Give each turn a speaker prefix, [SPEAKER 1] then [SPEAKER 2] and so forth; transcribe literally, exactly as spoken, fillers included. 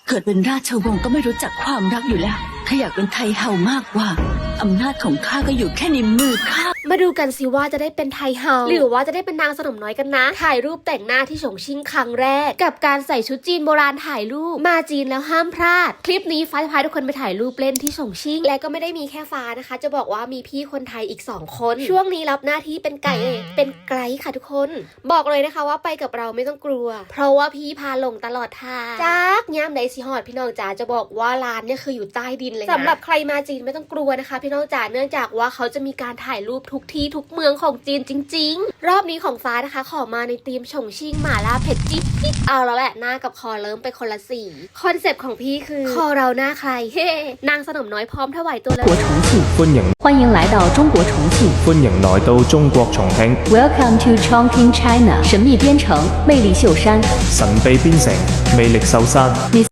[SPEAKER 1] เกิดเป็นราชวงศ์ก็ไม่รู้จักความรักอยู่แล้วข้าอยากเป็นไทเฮามากกว่าอำนาจของข้าก็อยู่แค่ในมือข้า
[SPEAKER 2] มาดูกันสิว่าจะได้เป็นไทเฮาหรือว่าจะได้เป็นนางสนมน้อยกันนะถ่ายรูปแต่งหน้าที่ฉงชิ่งครั้งแรกกับการใส่ชุดจีนโบราณถ่ายรูปมาจีนแล้วห้ามพลาดคลิปนี้ฟ้าจะพาทุกคนไปถ่ายรูปเล่นที่ฉงชิ่งและก็ไม่ได้มีแค่ฟ้านะคะจะบอกว่ามีพี่คนไทยอีกสองคนช่วงนี้รับหน้าที่เป็นไก่เป็นไกด์ค่ะทุกคนบอกเลยนะคะว่าไปกับเราไม่ต้องกลัวเพราะว่าพี่พาลงตลอดทางจากย่ามไดซิฮอดพี่น้องจ๋าจะบอกว่าร้านเนี่ยคืออยู่ใต้ดินเลยนะสำหรับใครมาจีนไม่ต้องกลัวนะคะพี่น้องจ๋าเนื่องจากว่าเขาจะมีการถ่ายรูปทุกที่ทุกเมืองของจีนจริงๆรอบนี้ของฟ้านะคะขอมาในธีมฉงชิ่งหม่าล่าเผ็ดจิ๊บจิ๊บเอาแล้วแหละหน้ากับคอเริ่มไปคนละสีคอนเซปต์ของพี่คือคอเราหน้าใครเฮ้นางสนมน้อยพร้อมถวายตัวเลย
[SPEAKER 3] 国重庆，
[SPEAKER 4] 歡迎
[SPEAKER 3] 欢迎来到中国重庆。
[SPEAKER 4] 歡迎來到中國重慶，
[SPEAKER 3] Welcome to Chongqing, China。神秘邊城，魅力秀山。
[SPEAKER 4] 神秘邊城，魅力秀山。